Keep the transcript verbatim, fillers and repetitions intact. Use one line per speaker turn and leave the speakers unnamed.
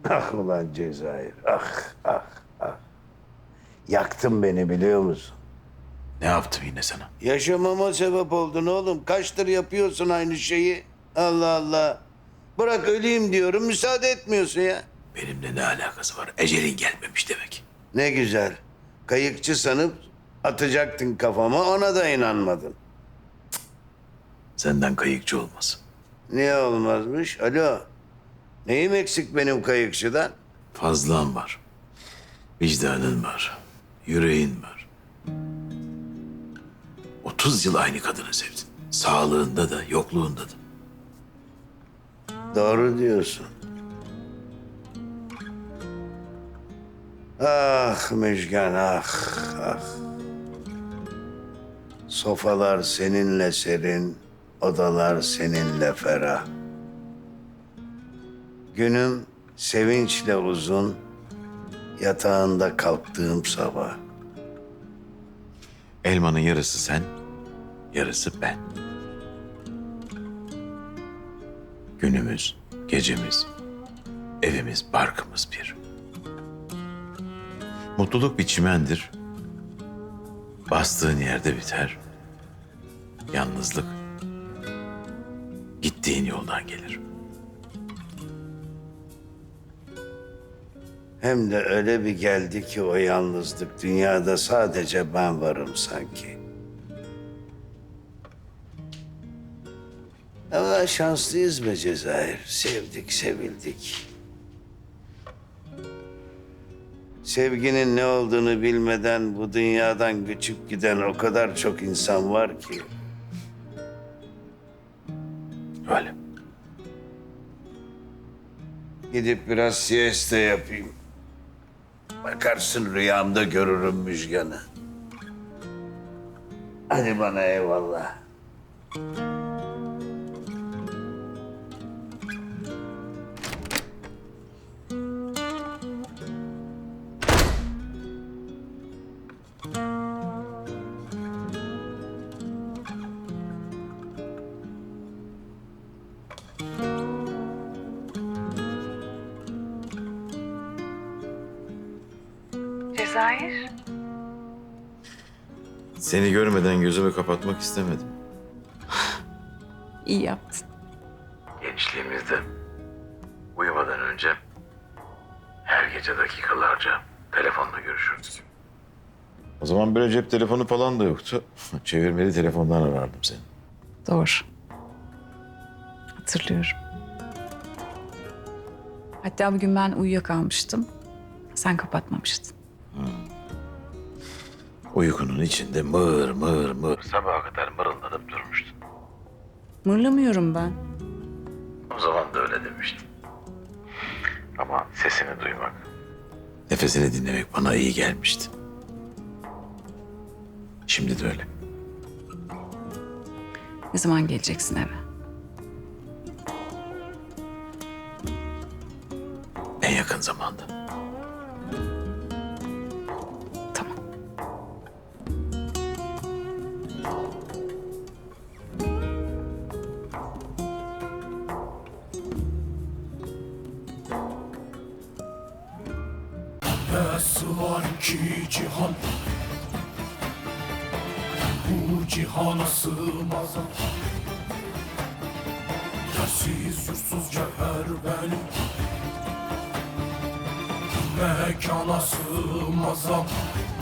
Ah ulan Cezayir, ah, ah, ah. Yaktın beni biliyor musun?
Ne yaptım yine sana?
Yaşamama sebep oldun oğlum. Kaçtır yapıyorsun aynı şeyi? Allah Allah. Bırak öleyim diyorum, müsaade etmiyorsun ya.
Benimle ne alakası var? Ecelin gelmemiş demek.
Ne güzel. Kayıkçı sanıp atacaktın kafama, ona da inanmadın.
Senden kayıkçı olmaz.
Niye olmazmış? Alo. Neyim eksik benim kayıkçıdan?
Fazlan var. Vicdanın var. Yüreğin var. Otuz yıl aynı kadını sevdin. Sağlığında da, yokluğunda da.
Doğru diyorsun. Ah Müjgan, ah, ah. Sofalar seninle serin, odalar seninle ferah. Günüm sevinçle uzun, yatağında kalktığım sabah.
Elmanın yarısı sen, yarısı ben. Günümüz, gecemiz, evimiz, barkımız bir. Mutluluk bir çimendir. Bastığın yerde biter. Yalnızlık gittiğin yoldan gelir.
Hem de öyle bir geldi ki o yalnızlık, dünyada sadece ben varım sanki. Ama şanslıyız be Cezayir. Sevdik, sevildik. Sevginin ne olduğunu bilmeden bu dünyadan göçüp giden o kadar çok insan var ki.
Öyle.
Gidip biraz siesta yapayım. Bakarsın rüyamda görürüm Müjgan'ı. Hadi bana eyvallah.
Cezayir.
Seni görmeden gözümü kapatmak istemedim.
İyi yaptın.
Gençliğimizde uyumadan önce her gece dakikalarca telefonla görüşürdük. O zaman böyle cep telefonu falan da yoktu. Çevirmeli telefondan arardım seni.
Doğru. Hatırlıyorum. Hatta bugün ben uyuyakalmıştım. Sen kapatmamıştın.
Uykunun içinde mır mır mır sabaha kadar mırıldanıp durmuştun.
Mırlamıyorum ben.
O zaman da öyle demiştim. Ama sesini duymak, nefesini dinlemek bana iyi gelmişti. Şimdi de öyle.
Ne zaman geleceksin eve?
En yakın zamanda.
Tamam.
Nasıl var ki cihan, bu cihana sığmaz. Yersiz yursuz cevher benim, mekana sığmaz.